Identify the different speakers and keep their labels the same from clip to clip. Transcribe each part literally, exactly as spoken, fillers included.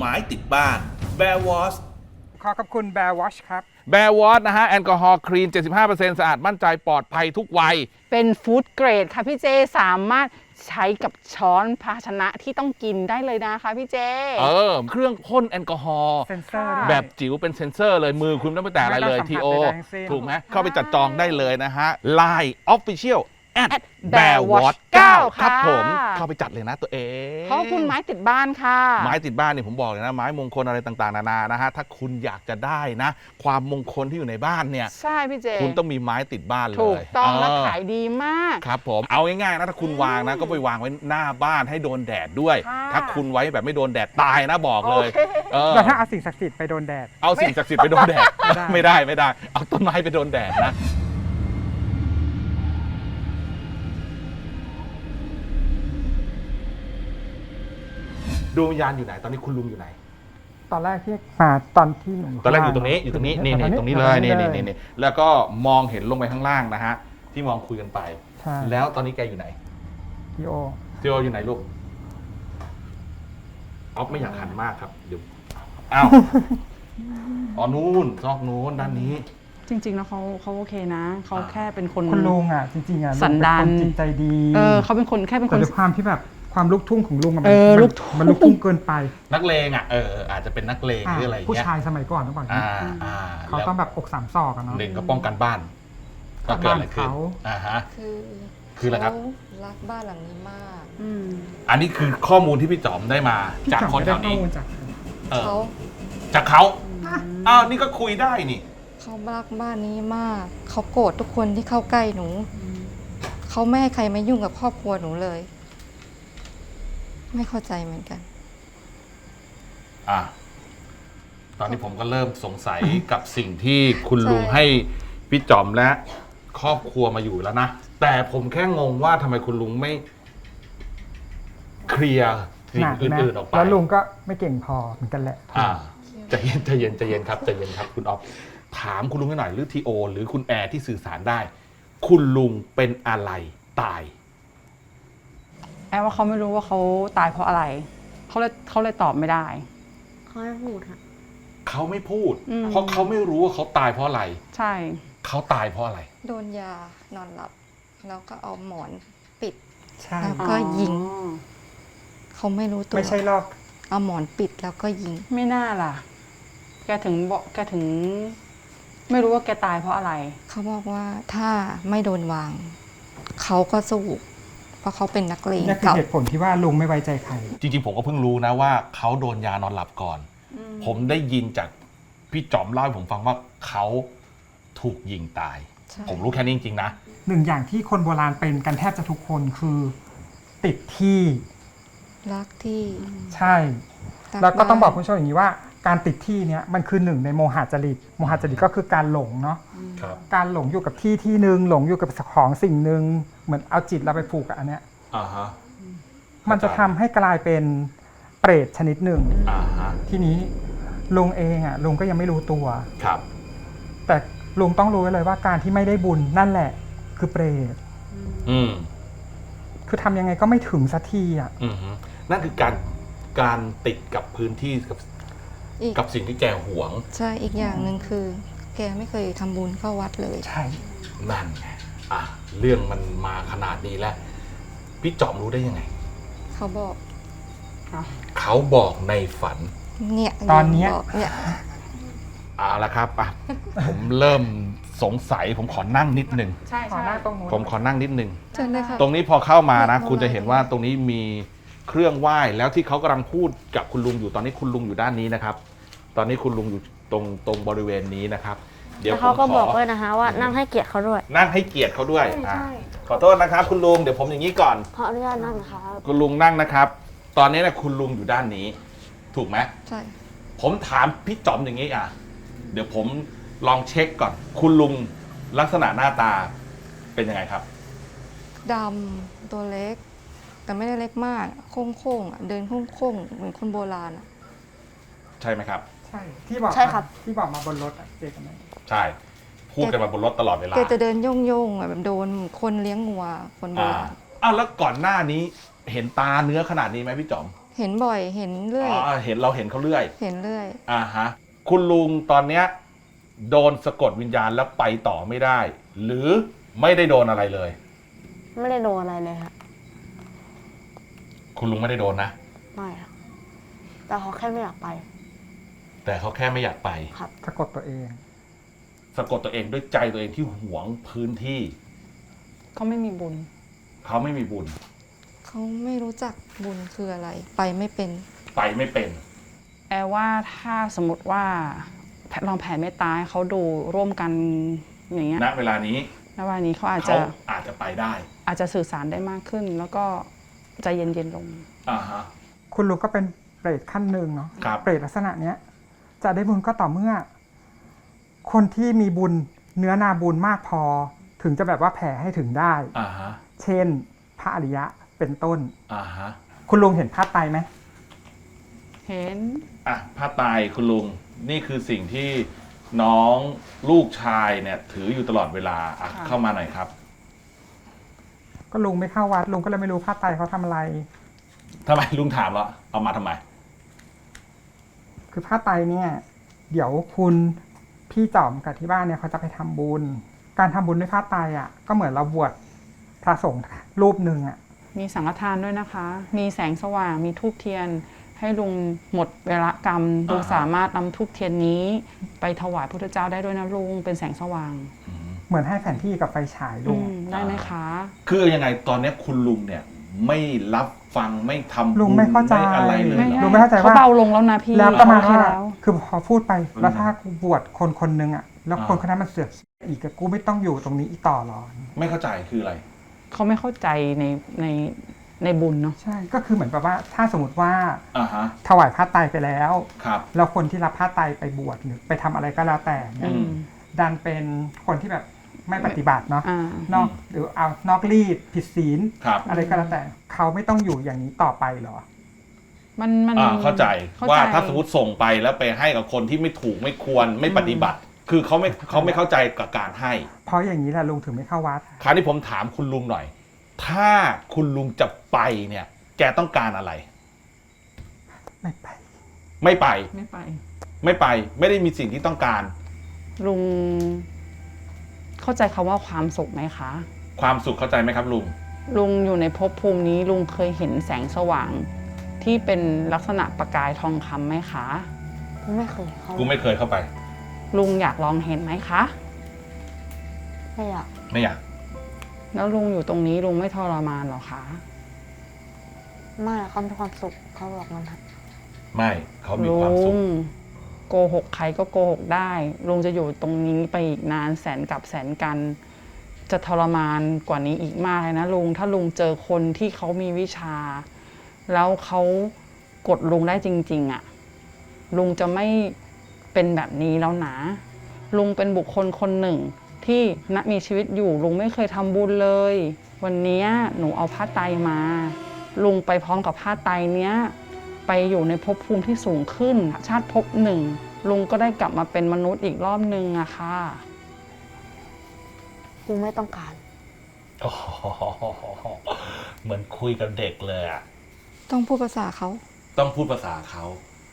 Speaker 1: ไม้ติดบ้าน Bear Wash
Speaker 2: ขอขอบคุณ Bear Wash ครับ
Speaker 3: แบร์วอชนะฮะแอลกอฮอล์คลีน เจ็ดสิบห้าเปอร์เซ็นต์ สะอาดมั่นใจปลอดภัยทุกวัย
Speaker 4: เป็นฟู้ดเกรดค่ะพี่เจสามารถใช้กับช้อนภาชนะที่ต้องกินได้เลยนะคะพี่เจ
Speaker 3: เออเครื่องพ่นแอลกอฮอล์
Speaker 2: เซนเซอร์ด้วย
Speaker 3: แบบจิ๋วเป็นเซนเซอร์เลยมือคุณไม่ต้องไปแตะอะไรเลย
Speaker 2: ไม่
Speaker 3: ที
Speaker 2: ต้อง
Speaker 3: โอ
Speaker 2: สัมผัสใดๆทั้งสิ้น
Speaker 3: ถูกไหมเข้าไปจัดจองได้เลยนะฮะ ไลน์ Official at
Speaker 4: Bear
Speaker 3: Bear
Speaker 4: Watch
Speaker 3: Watch
Speaker 4: เก้า
Speaker 3: ครับ
Speaker 4: ค่ะ
Speaker 3: ผมเข้าไปจัดเลยนะตัวเอง
Speaker 4: ขอบคุณไม้ติดบ้านค่ะ
Speaker 3: ไม้ติดบ้านเนี่ยผมบอกเลยนะไม้มงคลอะไรต่างๆนานานะฮะถ้าคุณอยากจะได้นะ ความมงคลที่อยู่ในบ้านเนี่ย
Speaker 4: ใช่พี่เจ
Speaker 3: คุณต้องมีไม้ติดบ้านเลย
Speaker 4: ถูกต้อง
Speaker 3: เ
Speaker 4: และขายดีมาก
Speaker 3: ครับผมเอาง่ายๆนะถ้าคุณวางนะก็ไปวางไว้หน้าบ้านให้โดนแดดด้วย
Speaker 4: ค่ะ
Speaker 3: ถ้าคุณไว้แบบไม่โดนแดดตายนะบอกเลย
Speaker 4: โอเค
Speaker 3: เออ
Speaker 2: แล้วถ้าเอาสิ่งศักดิ์สิทธิ์ไปโดนแดด
Speaker 3: เอาสิ่งศักดิ์สิทธิ์ไปโดนแดด
Speaker 2: ไม่
Speaker 3: ไม่
Speaker 2: ได้
Speaker 3: ได้ไม่ได้ เอาต้นไม้ไปโดนแดดนะดวงวิญญาณอยู่ไหนตอนนี้คุณลุงอยู่ไหน
Speaker 2: ตอนแรกที่มาตอนที่หนู
Speaker 3: ตอนแรกอยู่ตรงนี้อยู่ตรงนี้นี่นี่ตรงนี้เลยนี่นี่นี่นี่แล้วก็มองเห็นลงไปข้างล่างนะฮะที่มองคุยกันไป
Speaker 2: ใช่
Speaker 3: แล้วตอนนี้แกอยู่ไหน
Speaker 2: พี่โอ
Speaker 3: ทีโออยู่ไหนลูกออฟไม่อยากหันมากครับเดี๋ยวอ้าวอ๋อนู้นซอกนู้นด้านนี้
Speaker 4: จริงๆแล้วเขาเขาโอเคนะเขาแค่เป็นคน
Speaker 2: คุณลุงอ่ะจริงๆอ่ะ
Speaker 4: สันดาน
Speaker 2: ลุงเป็นคนจิตใจดี
Speaker 4: เออเขาเป็นคนแค่เป็นค
Speaker 2: แต่
Speaker 4: น
Speaker 2: ด้วยความที่แบบความลูกทุ่งของลุงอะมั
Speaker 4: เออ
Speaker 2: มัน
Speaker 4: ลูกทุ่ง
Speaker 2: มันลูกทุ่งเกินไป
Speaker 3: นักเลงอ่ะเอออาจจะเป็นนักเลงหรืออะไรอย่าง
Speaker 2: ผู้
Speaker 3: เงี้ย
Speaker 2: ชายสมัยก่อนต้องบอกอย่าง
Speaker 3: อ่า
Speaker 2: นี้
Speaker 3: อ่า
Speaker 2: เขา
Speaker 3: แล้ว
Speaker 2: ต้องแบบอกสามศอกอะเนาะ
Speaker 3: หนึ่งก็ป้องกันบ้านก็เกิดอะไรขึ้น
Speaker 2: บ้านเขา
Speaker 3: อ่าฮะ
Speaker 5: คือ
Speaker 3: คืออะไรครับ
Speaker 5: เขารักบ้านหลังนี้มาก
Speaker 4: อืม
Speaker 3: อันนี้คือข้อมูลที่พี่จอมได้มา
Speaker 2: พี่
Speaker 3: จาก
Speaker 2: จอม
Speaker 3: คน
Speaker 2: ไม่
Speaker 3: แถ
Speaker 2: ได้
Speaker 3: ว
Speaker 2: ข้อ
Speaker 3: นี้
Speaker 2: มูลจาก
Speaker 3: เออ
Speaker 5: เขา
Speaker 3: จากเขาอ้าวนี่ก็คุยได้นี่
Speaker 5: เขารักบ้านนี้มาก เขาโกรธทุกคนที่เข้าใกล้หนู เขาไม่ให้ใครมายุ่งกับครอบครัวหนูเลย ไม่เข้าใจเหมือนกัน
Speaker 3: อ่ะตอนนี้ผมก็เริ่มสงสัยกับสิ่งที่คุณลุง
Speaker 5: ใช่
Speaker 3: ให้พี่จอมและครอบครัวมาอยู่แล้วนะ แต่ผมแค่งงว่าทำไมคุณลุงไม่เคลียร์สิ่
Speaker 2: ห
Speaker 3: ง
Speaker 2: นัก
Speaker 3: อ
Speaker 2: นะ
Speaker 3: ื่นๆออกไป
Speaker 2: แล้วลุงก็ไม่เก่งพอเหมือนกันแหละ
Speaker 3: อ่าใจเย็นใจเย็นใจเย็นครับใจเย็นครับ คุณออฟถามคุณลุงให้หน่อยหรือทีโอ หรือคุณแอร์ที่สื่อสารได้ คุณลุงเป็นอะไรตาย
Speaker 4: แอบว่าเขาไม่รู้ว่าเขาตายเพราะอะไรเขาเลยเขาเลยตอบไม่ได้
Speaker 6: เขาไม่พูดค่ะ
Speaker 3: เขาไม่พูด
Speaker 4: อืม
Speaker 3: เพราะเขาไม่รู้ว่าเขาตายเพราะอะไร
Speaker 4: ใช่
Speaker 3: เขาตายเพราะอะไร
Speaker 5: โดนยานอนหลับ แล้วก็เอาหมอนปิด
Speaker 2: ใช่
Speaker 5: แล้วก็ยิง เขาไม่รู้ตัว
Speaker 2: ไม่ใช่รอบ
Speaker 5: เอาหมอนปิดแล้วก็ยิง
Speaker 4: ไม่น่าล่ะ แกถึงบอกแกถึง ไม่รู้ว่าแกตายเพราะอะไร
Speaker 5: เขาบอกว่าถ้าไม่โดนวาง เขาก็สู้เพราะเขาเป็นนักเลง
Speaker 2: นี่คือ
Speaker 5: เก่า
Speaker 2: เหตุผลที่ว่าลุงไม่ไว้ใจใคร
Speaker 3: จริงๆ ผมก็เพิ่งรู้นะว่าเขาโดนยานอนหลับก่อน ผมได้ยินจากพี่จอมเล่าให้ผมฟังว่าเขาถูกยิงตาย
Speaker 5: ใช่
Speaker 3: ผมรู้แค่นี้จริงๆนะ
Speaker 2: หนึ่งอย่างที่คนโบราณเป็นกันแทบจะทุกคนคือ ติดที่
Speaker 5: รักที่
Speaker 2: ใช่
Speaker 5: รั
Speaker 2: แล้วก็ต้องบอก
Speaker 5: บ้าน
Speaker 2: คุณผู้ชมอย่างนี้ว่าการติดที่เนี้ยมันคือหนึ่งในโมหะจริตโมหะจริตก็คือการหลงเนาะ
Speaker 3: ครับ
Speaker 2: การหลงอยู่กับที่ที่หนึ่งหลงอยู่กับของสิ่งหนึ่งเหมือนเอาจิตเราไปผูกกับอันเนี้ย
Speaker 3: อ่าฮะ
Speaker 2: มันจะทำให้กลายเป็นเปรตชนิดหนึ่ง
Speaker 3: อ่าฮะ
Speaker 2: ทีนี้ลุงเองอ่ะลุงก็ยังไม่รู้ตัว
Speaker 3: ครับ
Speaker 2: แต่ลุงต้องรู้ไว้เลยว่าการที่ไม่ได้บุญนั่นแหละ คือเปรต
Speaker 3: อืม
Speaker 2: คือทำยังไงก็ไม่ถึงสักทีอ่ะ
Speaker 3: อืมฮึนั่นคือการการติดกับพื้นที่กับ
Speaker 5: อีก
Speaker 3: กับสิ่งที่แกหวง
Speaker 5: ใช่อีกอย่างหนึ่งคือ แกไม่เคยทำบุญเข้าวัดเลย
Speaker 2: ใช่
Speaker 3: นั่นไงอ่ะเรื่องมันมาขนาดนี้แล้ว พี่จอมรู้ได้ยังไง
Speaker 5: เขาบอก
Speaker 3: เขาบอกในฝัน
Speaker 5: เนี่ย
Speaker 2: ตอนเนี้ย
Speaker 5: บอกเนี่ย
Speaker 3: เอาละครับอ่ะ ผมเริ่มสงสัย ผมขอนั่งนิดนึง
Speaker 4: ใช่
Speaker 2: ขอ
Speaker 4: ใช่
Speaker 2: หน้าตรงนู้น
Speaker 3: ผมขอนั่งนิดนึง
Speaker 5: เชิญเลยค่ะ
Speaker 3: ตรงนี้พอเข้ามานะ
Speaker 5: ไม่
Speaker 3: คุณจะเห็นว่าตรงนี้มีเครื่องไหว้แล้วที่เขากำลังพูดกับคุณลุงอยู่ตอนนี้คุณลุงอยู่ด้านนี้นะครับ ตอนนี้คุณลุงอยู่ตรงตรงบริเวณนี้นะครับ เดี๋ยว
Speaker 6: แล้ว
Speaker 3: ผ
Speaker 6: เขา
Speaker 3: ม
Speaker 6: ก็
Speaker 3: ข
Speaker 6: บอก
Speaker 3: อ
Speaker 6: ด้วยนะคะว่านั่งให้เกียรติเขาด้วย
Speaker 3: นั่งให้เกียรติเขาด้วยอ่ะขอโทษนะครับ คุณลุงเดี๋ยวผมอย่างนี้ก่อน
Speaker 6: ขออนุญาตนั่งครับ
Speaker 3: คุณลุงนั่งนะครับ ตอนนี้นะคุณลุงอยู่ด้านนี้ ถูกไหม
Speaker 5: ใช่
Speaker 3: ผมถามพี่จอมอย่างนี้อ่ะ เดี๋ยวผมลองเช็คก่อน คุณลุงลักษณะหน้าตาเป็นยังไงครับ
Speaker 5: ดำตัวเล็ก แต่ไม่ได้เล็กมากโค้งโค้งๆอ่ะเดินโค้งโค้งๆเหมือนคนโบราณอ่ะ
Speaker 3: ใช่ไหมครับ
Speaker 2: ใช่ ที่บอก
Speaker 6: ใช่ครับ
Speaker 2: ที่บอกมาบนรถอะเจกันไหม
Speaker 3: ใช่ พูดกันมาบนรถตลอดเวลา
Speaker 5: แกจะเดินโย่งโย่งๆอ่ะแบบโดนคนเลี้ยงงัวคนโบ
Speaker 3: อ่า
Speaker 5: ราณ
Speaker 3: อ้าวแล้วก่อนหน้านี้เห็นตาเนื้อขนาดนี้ไหมพี่จอม
Speaker 5: เเห็นบ่อยเห็นเรื่อย
Speaker 3: อ๋อเห็นเราเห็นเขาเรื่อย
Speaker 5: เห็นเรื่อย
Speaker 3: อ่าฮะคุณลุงตอนเนี้ยโดนสะกดวิญญาณแล้วไปต่อไม่ได้ หรือไม่ได้โดนอะไรเลย
Speaker 6: ไม่ได้โดนอะไรเลยค่ะ
Speaker 3: คุณลุงไม่ได้โดนนะ
Speaker 6: ไม่ค่ะแต่เขาแค่ไม่อยากไป
Speaker 3: แต่เขาแค่ไม่อยากไป
Speaker 6: ครับ
Speaker 2: สะกดตัวเอง
Speaker 3: สะกดตัวเองด้วยใจตัวเองที่หวงพื้นที่
Speaker 4: เขาไม่มีบุญ
Speaker 3: เขาไม่มีบุญ
Speaker 5: เขาไม่รู้จักบุญคืออะไร ไปไม่เป็น
Speaker 3: ไปไม่เป็น
Speaker 4: แอลว่าถ้าสมมติว่าลองแผ่เมตตาให้เขาดูร่วมกันอย่างเงี้ย
Speaker 3: ณเวลานี้
Speaker 4: ณวันนี้เขาอาจจะ
Speaker 3: เขาอาจจะไปได้
Speaker 4: อาจจะสื่อสารได้มากขึ้น แล้วก็ใจเย็นๆลง
Speaker 3: อ่าฮะ
Speaker 2: คุณลุงก็เป็นเปรตขั้นหนึ่งเนาะ
Speaker 3: ครับ
Speaker 2: เปรตลักษณะเนี้ย จะได้บุญก็ต่อเมื่อ คนที่มีบุญเนื้อนาบุญมากพอ ถึงจะแบบว่าแผ่ให้ถึงได้
Speaker 3: อ่าฮะ
Speaker 2: เช่น พระอริยะเป็นต้น
Speaker 3: อ่าฮะ
Speaker 2: คุณลุงเห็นภาพไตรไหม
Speaker 4: เห็น
Speaker 3: อ่ะผ้าไตรคุณลุงนี่คือสิ่งที่น้องลูกชายเนี่ยถืออยู่ตลอดเวลาอ่ะ
Speaker 4: ค่ะ
Speaker 3: เข้ามาหน่อยครับ
Speaker 2: ก็ลุงไม่เข้าวัดลุงก็เลยไม่รู้ภาพไตรเขาทำอะไร
Speaker 3: ทำไมลุงถามแล้วเอามาทำไม
Speaker 2: คือผ้าไตรเนี่ย เดี๋ยวคุณพี่จอมกับที่บ้านเนี่ยเขาจะไปทำบุญ การทำบุญด้วยผ้าไตรอ่ะก็เหมือนเราบวชพระสงฆ์รูปหนึ่งอ่ะ
Speaker 4: มีสังฆทานด้วยนะคะ มีแสงสว่าง มีธูปเทียน ให้ลุงหมดเวลากรรม ลุง
Speaker 3: อ่าฮะ
Speaker 4: สามารถนำธูปเทียนนี้ ไปถวายพระพุทธเจ้าได้ด้วยนะลุง เป็นแสงสว่าง
Speaker 2: เหมือนให้แผนที่กับไฟฉายลุ
Speaker 4: อื
Speaker 2: ง
Speaker 4: มได้ไหมคะ
Speaker 3: คือยังไงตอนเนี้ยคุณลุงเนี่ยไม่รับฟังไม่ทำ
Speaker 2: ลุงไม่เข้าใจ
Speaker 3: ไม่อะไรเลย
Speaker 4: ไม่
Speaker 3: เหรอ
Speaker 2: ลุงไม่เข้าใจ
Speaker 4: เขา
Speaker 2: ว่า
Speaker 4: เบาลงแล้วนะพี่
Speaker 2: แล้วประมาณ
Speaker 4: โอเค
Speaker 2: ว่า
Speaker 4: แล้ว
Speaker 2: คือพอพูดไป
Speaker 3: อืม
Speaker 2: แล้วถ้ากูบวชคนคนหนึ่งอ่ะ แล้ว
Speaker 3: อ่า
Speaker 2: คนคนนั้นมันเสือกอีกอะกูไม่ต้องอยู่ตรงนี้อีกต่อหรอ
Speaker 3: ไม่เข้าใจคืออะไร
Speaker 4: เขาไม่เข้าใจในในในบุญเนาะ
Speaker 2: ใช่ ก็คือเหมือนแบบว่า ถ้าสมมติว่า
Speaker 3: อ่าฮะ
Speaker 2: ถวายผ้าไตรไปแล้ว
Speaker 3: ครับ
Speaker 2: แล้วคนที่รับผ้าไตรไปบวชหรือไปทำอะไรก็แล้วแต่เนี่
Speaker 3: อื
Speaker 2: ย
Speaker 3: ม
Speaker 2: ดันเป็นคนที่แบบไม่ปฏิบัติเนาะ
Speaker 4: อ่า
Speaker 2: นอกหรือเอานอกรีดผิดศีล
Speaker 3: ครับ
Speaker 2: อะไรก็แล้วแต่ เขาไม่ต้องอยู่อย่างนี้ต่อไปเหรอ
Speaker 4: มันมัน
Speaker 3: อ่าเข้าใจ
Speaker 4: เข้
Speaker 3: ว่า
Speaker 4: ใจ
Speaker 3: ถ้าสมมติส่งไปแล้วไปให้กับคนที่ไม่ถูกไม่ควรไม่ปฏิบัติ คือเขาไม่เขาไม่เข้าใจกับการให้
Speaker 2: เพราะอย่างนี้แหละลุงถึงไม่เข้าวัด
Speaker 3: คราวนี้ผมถามคุณลุงหน่อย ถ้าคุณลุงจะไปเนี่ย แกต้องการอะไร
Speaker 2: ไม่ไป
Speaker 3: ไม่ไป
Speaker 4: ไม่ไป
Speaker 3: ไม่ไป ไม่ได้มีสิ่งที่ต้องการ
Speaker 4: ลุงเข้าใจคำว่าความสุขไหมคะ
Speaker 3: ความสุขเข้าใจไหมครับลุง
Speaker 4: ลุงอยู่ในภพภูมินี้ลุงเคยเห็นแสงสว่าง ที่เป็นลักษณะประกายทองคำไหมคะ
Speaker 6: ไม่เคยเขา
Speaker 3: กูไม่เคยเข้าไป
Speaker 4: ลุงอยากลองเห็นไหมคะ
Speaker 6: ไม่อยาก
Speaker 3: ไม่อยาก
Speaker 4: แล้วลุงอยู่ตรงนี้ลุงไม่ทรมานหรอคะ
Speaker 6: ไม่เขามีความสุขเขาบอกมันค่ะ
Speaker 3: ไม่เขามี
Speaker 4: ลุ
Speaker 3: ความสุข
Speaker 4: งโกหกใครก็โกหกได้ ลุงจะอยู่ตรงนี้ไปอีกนานแสนกับแสนกัน จะทรมานกว่านี้อีกมากเลยนะลุงถ้าลุงเจอคนที่เขามีวิชา แล้วเขากดลุงได้จริง ๆอะ่ะลุงจะไม่เป็นแบบนี้แล้วนะ ลุงเป็นบุคคลคนหนึ่ง ที่ณมีชีวิตอยู่ลุงไม่เคยทำบุญเลย วันนี้หนูเอาผ้าไตรมา ลุงไปพร้อมกับผ้าไตรเนี้ย ไปอยู่ในภพภูมิที่สูงขึ้น ชาติภพหนึ่ง ลุงก็ได้กลับมาเป็นมนุษย์อีกรอบนึงอะค่ะ
Speaker 6: กูไม่ต้องการ
Speaker 3: โอ้โหเหมือนคุยกับเด็กเลยอ่ะ
Speaker 5: ต้องพูดภาษาเขา
Speaker 3: ต้องพูดภาษาเขา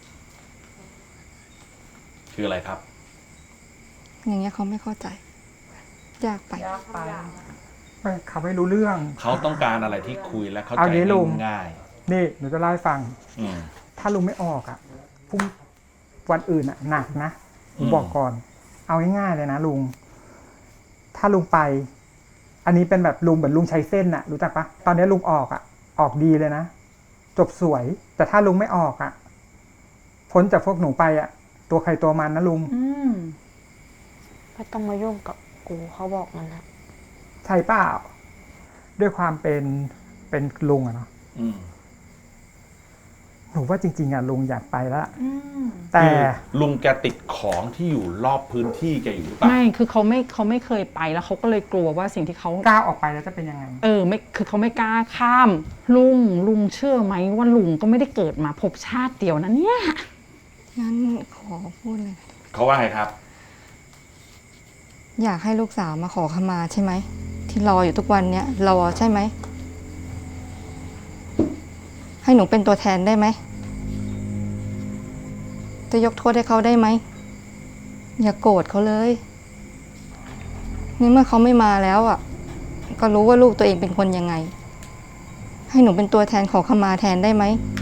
Speaker 3: คืออะไรครับ
Speaker 5: อย่างเงี้ยเขาไม่เข้าใจ ยากไป
Speaker 4: ยากไป
Speaker 2: ไม่เขาไม่รู้เรื่อง
Speaker 3: เขาต้องการอะไรที่คุยและเข้า
Speaker 2: เอา
Speaker 3: ใจ
Speaker 2: งี้ลุง
Speaker 3: ง่าย
Speaker 2: นี่หนูจะเล่าให้ฟัง
Speaker 3: ๆอืม
Speaker 2: ถ้าลุงไม่ออกอ่ะพรุ่งวันอื่นอ่ะหนักนะผม
Speaker 3: อืม
Speaker 2: บอกก่อน เอาง่ายๆเลยนะลุง ถ้าลุงไป อันนี้เป็นแบบลุงเหมือนลุงใช้เส้นน่ะ รู้จักปะตอนนี้ลุงออกอ่ะ ออกดีเลยนะ จบสวย แต่ถ้าลุงไม่ออกอ่ะ พ้นจากพวกหนูไปอ่ะ ตัวใครตัวมันนะลุง
Speaker 4: อืม
Speaker 6: ไม่ต้องมายุ่งกับกูเขาบอกมันนะ
Speaker 2: ใช่เปล่า ด้วยความเป็นเป็นลุงอะเนาะ
Speaker 3: อืม
Speaker 2: หนูว่าจริง ๆอ่ะลุงอยากไปแล้ว
Speaker 4: อืม
Speaker 2: แต่
Speaker 3: คือลุงแกติดของที่อยู่รอบพื้นที่แกอยู่หรือเปล่า
Speaker 4: ไม่ คือเขาไม่เขาไม่เคยไปแล้วเขาก็เลยกลัวว่าสิ่งที่เขา
Speaker 2: ก้าวออกไปแล้วจะเป็นยังไง
Speaker 4: เออไม่คือเขาไม่กล้าข้าม ลุงลุงเชื่อไหมว่าลุงก็ไม่ได้เกิดมาพบชาติเดียวนะเนี่ย
Speaker 5: งั้นขอพูดเลย
Speaker 3: เขาว่าไงครับ
Speaker 5: อยากให้ลูกสาวมาขอขมาใช่ไหม ที่รออยู่ทุกวันเนี้ยรอใช่ไหม ใให้หนูเป็นตัวแทนได้ไหมจะยกโทษให้เขาได้ไหมอย่าโกรธเขาเลยในเมื่อเขาไม่มาแล้วอ่ะก็รู้ว่าลูกตัวเองเป็นคนยังไงให้หนูเป็นตัวแทนขอขมาแทนได้ไหม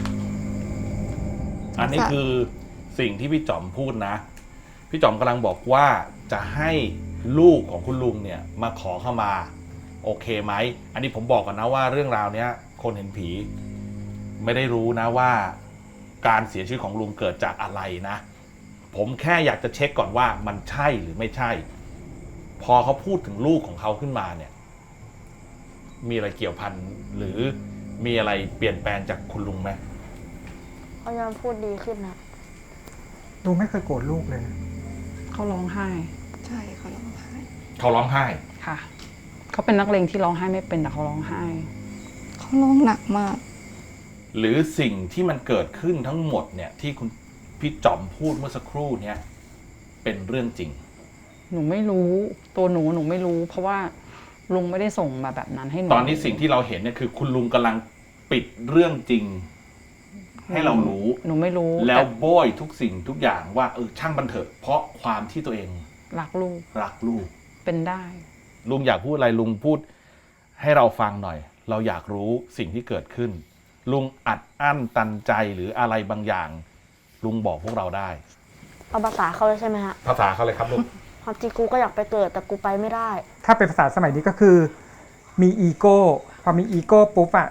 Speaker 3: อันนี้คือสิ่งที่พี่จอมพูดนะ พี่จอมกำลังบอกว่าจะให้ลูกของคุณลุงเนี่ยมาขอเข้ามาโอเคไหมอันนี้ผมบอกก่อนนะว่าเรื่องราวเนี้ยคนเห็นผีไม่ได้รู้นะว่าการเสียชีวิตของลุงเกิดจากอะไรนะผมแค่อยากจะเช็คก่อนว่ามันใช่หรือไม่ใช่ พอเขาพูดถึงลูกของเขาขึ้นมาเนี่ยมีอะไรเกี่ยวพันหรือมีอะไรเปลี่ยนแปลงจากคุณลุงไหม
Speaker 6: เขายอมพูดดีขึ้นนะ
Speaker 2: ลุงไม่เคยโกรธลูกเลย
Speaker 4: เขาร้องไห้
Speaker 5: ใช่เขาร้องไห้
Speaker 3: เขาร้องไห้
Speaker 4: ค่ะ เขาเป็นนักเลงที่ร้องไห้ไม่เป็นแต่เขาร้องไห้
Speaker 5: เขาร้องหนักมาก
Speaker 3: หรือสิ่งที่มันเกิดขึ้นทั้งหมดเนี่ยที่คุณพี่จอมพูดเมื่อสักครู่เนี่ยเป็นเรื่องจริง
Speaker 4: หนูไม่รู้ตัวหนูหนูไม่รู้ เพราะว่าลุงไม่ได้ส่งมาแบบนั้นให้หนู
Speaker 3: ตอนนี้สิ่งที่เราเห็นเนี่ยคือคุณลุงกำลังปิดเรื่องจริง ให้เรารู้
Speaker 4: หนูไม่รู้
Speaker 3: แล้ว
Speaker 4: ต่
Speaker 3: โบยทุกสิ่งทุกอย่างว่าเออช่างมันเถอะเพราะความที่ตัวเอง
Speaker 4: รักลูก
Speaker 3: รักลูก
Speaker 4: เป็นได้
Speaker 3: ลุงอยากพูดอะไรลุงพูดให้เราฟังหน่อย เราอยากรู้สิ่งที่เกิดขึ้น ลุงอัดอั้นตันใจหรืออะไรบางอย่าง ลุงบอกพวกเราได้
Speaker 6: เอาภาษาเขาเลยใช่ไหมฮะ
Speaker 3: ภาษาเขาเลยครับลุง
Speaker 6: ความจริงกูก็อยากไปเกิดแต่กูไปไม่ได้
Speaker 2: ถ้าเป็นภาษาสมัยนี้ก็คือมีอีโก้พอมีอีโก้ปุ๊บอะ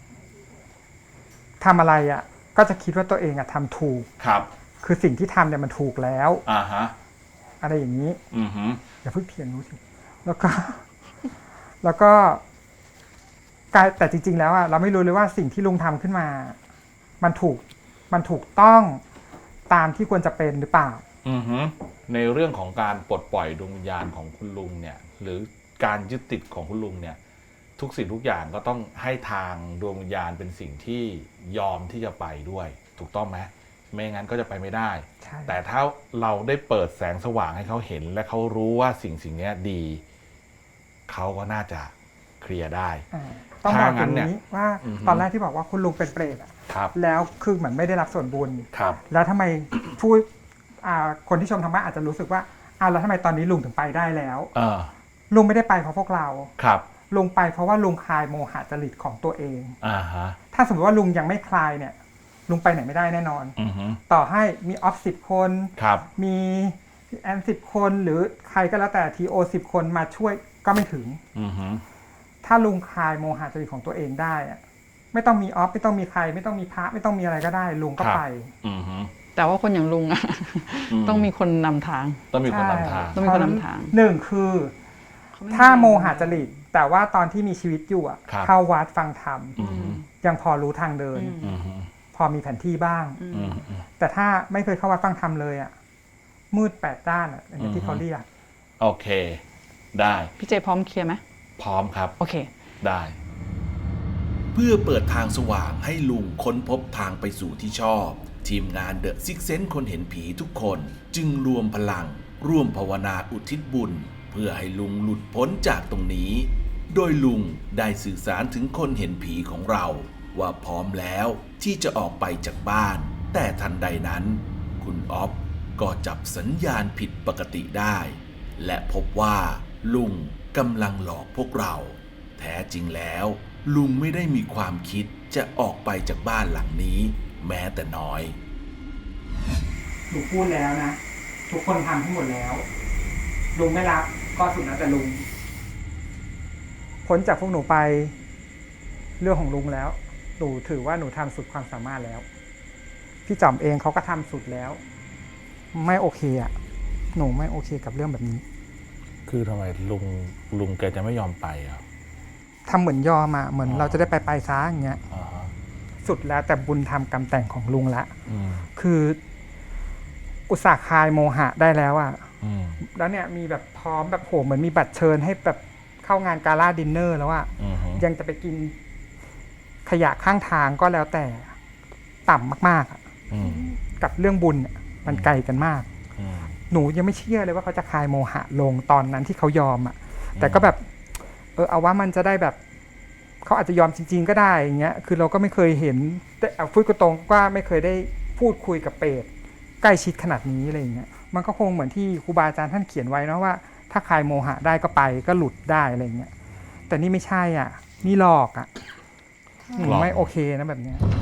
Speaker 2: ทำอะไรอะก็จะคิดว่าตัวเองอะทำถูก
Speaker 3: ครับ
Speaker 2: คือสิ่งที่ทำเนี่ยมันถูกแล้ว
Speaker 3: อ่าฮะ
Speaker 2: อะไรอย่างนี้
Speaker 3: อือฮึ
Speaker 2: อย่าเพิ่งเถียงรู้สิแล้วก็ แล้วก็กลายแต่จริง ๆ แล้วอะเราไม่รู้เลยว่าสิ่งที่ลุงทำขึ้นมา มันถูกมันถูกต้องตามที่ควรจะเป็นหรือเปล่า
Speaker 3: อือฮึในเรื่องของการปลดปล่อยดวงวิญญาณของคุณลุงเนี่ย หรือการยึดติดของคุณลุงเนี่ย ทุกสิ่งทุกอย่างก็ต้องให้ทางดวงวิญญาณเป็นสิ่งที่ยอมที่จะไปด้วย ถูกต้องไหมไม่งั้นก็จะไปไม่ได้
Speaker 2: ใช่
Speaker 3: แต่ถ้าเราได้เปิดแสงสว่างให้เขาเห็น และเขารู้ว่าสิ่งสิ่งนี้ดี เขาก็น่าจะเคลียร์ได้
Speaker 2: อ่าต้องบอก
Speaker 3: ถ้างั้
Speaker 2: ตร
Speaker 3: น
Speaker 2: ง
Speaker 3: เนี่ย
Speaker 2: นี้ว่า
Speaker 3: อือฮึ
Speaker 2: ตอนแรกที่บอกว่าคุณลุงเป็นเปรตอะ
Speaker 3: ครับ
Speaker 2: แล้วคือเหมือนไม่ได้รับส่วนบุญ
Speaker 3: ครับ
Speaker 2: แล้วทำไม ผู้อ่าคนที่ชมธรรมะอาจจะรู้สึกว่าอ้าวแล้วทำไมตอนนี้ลุงถึงไปได้แล้ว
Speaker 3: เออ
Speaker 2: ลุงไม่ได้ไปเพราะพวกเรา
Speaker 3: ครับ
Speaker 2: ลุงไปเพราะว่าลุงคลายโมหะจริตของตัวเอง
Speaker 3: อ่าฮะ
Speaker 2: ถ้าสมมติว่าลุงยังไม่คลายเนี่ย ลุงไปไหนไม่ได้แน่นอน
Speaker 3: อือฮึ
Speaker 2: ต่อให้มีออฟสิบคน
Speaker 3: ครับ
Speaker 2: มีแอนสิบคนหรือใครก็แล้วแต่ทีโอสิบคนมาช่วยก็ไม่ถึง
Speaker 3: อือฮึ
Speaker 2: ถ้าลุงคลายโมหะจริตของตัวเองได้อะไม่ต้องมีออฟไม่ต้องมีใคร ไม่ต้องมีพระไม่ต้องมีอะไรก็ได้ ลุงก็ไป
Speaker 3: อือฮึ
Speaker 4: แต่ว่าคนอย่างลุงอะ
Speaker 3: อืม
Speaker 4: ต้องมีคนนำทาง
Speaker 3: ต้องมีคนนำทาง
Speaker 4: ต้องมีคนนำทาง
Speaker 2: หนึ่งคือ
Speaker 4: เขาไม่
Speaker 2: ถ้าโมหะจริตแต่ว่าตอนที่มีชีวิตอยู่อะ
Speaker 3: ครับ
Speaker 2: เข้าวัดฟังธรรม
Speaker 3: อือฮึ
Speaker 2: ยังพอรู้ทางเดิน
Speaker 4: อืม
Speaker 3: อือฮึ
Speaker 2: พอมีแผนที่บ้าง
Speaker 4: อืม
Speaker 3: อือฮึ
Speaker 2: แต่ถ้าไม่เคยเข้าวัดฟังธรรมเลยอะมืดแปดด้านอะอย่าง
Speaker 3: อือฮึ
Speaker 2: ที่เขาเรียก
Speaker 3: โอเค ได้
Speaker 4: พี่เจพร้อมเคลียร์ไหม
Speaker 3: พร้อมครับ
Speaker 4: โอเค
Speaker 3: ได้
Speaker 1: เพื่อเปิดทางสว่างให้ลุงค้นพบทางไปสู่ที่ชอบ ทีมงานเดอะซิกเซนคนเห็นผีทุกคนจึงรวมพลัง ร่วมภาวนาอุทิศบุญ เพื่อให้ลุงหลุดพ้นจากตรงนี้ โดยลุงได้สื่อสารถึงคนเห็นผีของเรา ว่าพร้อมแล้วที่จะออกไปจากบ้าน แต่ทันใดนั้น คุณออฟก็จับสัญญาณผิดปกติได้ และพบว่าลุงกำลังหลอกพวกเรา แท้จริงแล้ว ลุงไม่ได้มีความคิดจะออกไปจากบ้านหลังนี้ แม้แต่น้อย
Speaker 2: ลุงพูดแล้วนะ ทุกคนทำให้หมดแล้ว ลุงไม่รับก็สุดแล้วแต่ลุงพ้นจากพวกหนูไป เรื่องของลุงแล้ว หนูถือว่าหนูทำสุดความสามารถแล้ว พี่จอมเองเขาก็ทำสุดแล้ว ไม่โอเคอ่ะ หนูไม่โอเคกับเรื่องแบบนี้
Speaker 3: คือทำไมลุงลุงแกจะไม่ยอมไปอ่ะ
Speaker 2: ทำเหมือนยอมอ่ะเหมือน
Speaker 3: อ๋อ
Speaker 2: เราจะได้ไปไปซ้าอย่างเงี้ย
Speaker 3: อ่าฮะ
Speaker 2: สุดแล้วแต่บุญทำกรรมแต่งของลุงละ
Speaker 3: อืม
Speaker 2: คืออุตส่าห์คลายโมหะได้แล้วอ่ะ
Speaker 3: อืม
Speaker 2: แล้วเนี่ยมีแบบพร้อมแบบโหเหมือนมีบัตรเชิญให้แบบเข้างานกาล่าดินเนอร์แล้วอ่ะ
Speaker 3: อืมฮึ
Speaker 2: ยังจะไปกินขยะข้างทางก็แล้วแต่ต่ำมากๆอะ
Speaker 3: อืม
Speaker 2: กับเรื่องบุญอะมันไกลกันมาก
Speaker 3: อืม
Speaker 2: หนูยังไม่เชื่อเลยว่าเขาจะคลายโมหะลงตอนนั้นที่เขายอมอ่ะ แต่ก็แบบ เออเอาว่ามันจะได้แบบเขาอาจจะยอมจริงๆก็ได้อย่างเงี้ยคือเราก็ไม่เคยเห็นแต่เอาพูดก็ตรงว่าไม่เคยได้พูดคุยกับเปรตใกล้ชิดขนาดนี้อะไรอย่างเงี้ยมันก็คงเหมือนที่ครูบาอาจารย์ท่านเขียนไว้นะว่าถ้าคลายโมหะได้ก็ไปก็หลุดได้อะไรอย่างเงี้ยแต่นี่ไม่ใช่อ่ะนี่หลอกอ่ะ
Speaker 3: หลอก
Speaker 2: ไม่โอเคนะแบบเนี้ย